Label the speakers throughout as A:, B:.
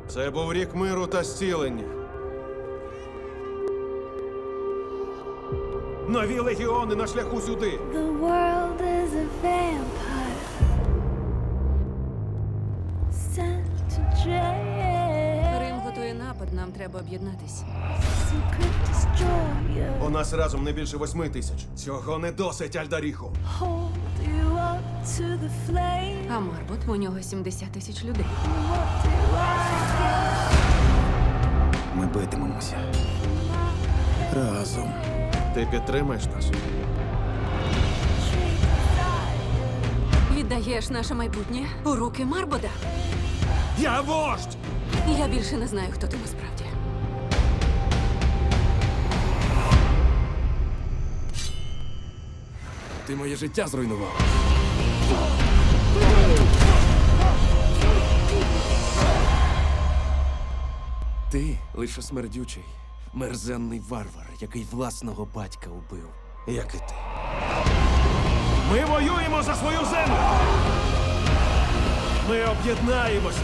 A: Це був рік миру та зцілення. Нові легіони на шляху сюди.
B: The world is a vampire sent to drain.
C: Рим готує напад, нам треба об'єднатись.
B: Secret destroyer.
A: У нас разом не більше 8 тисяч. Цього не досить, Альдаріху.
B: Hold you up to the flame.
C: А Марбот, у нього 70 тисяч людей.
B: What do I get?
D: Ми битимемося разом.
A: Ти підтримаєш нас?
C: Віддаєш наше майбутнє у руки Марбота?
A: Я вождь!
C: Я більше не знаю, хто ти насправді.
D: Ти моє життя зруйнував. Ти лише смердючий, мерзенний варвар, який власного батька убив.
A: Як і ти. Ми воюємо за свою землю! Ми об'єднаємося!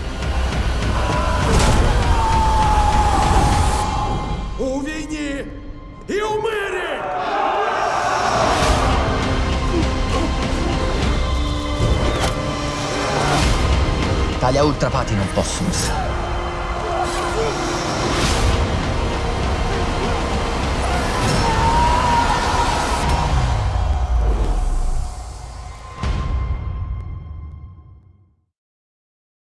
A: У війні і у мирі!
E: Taglia ultrapati non possono stare.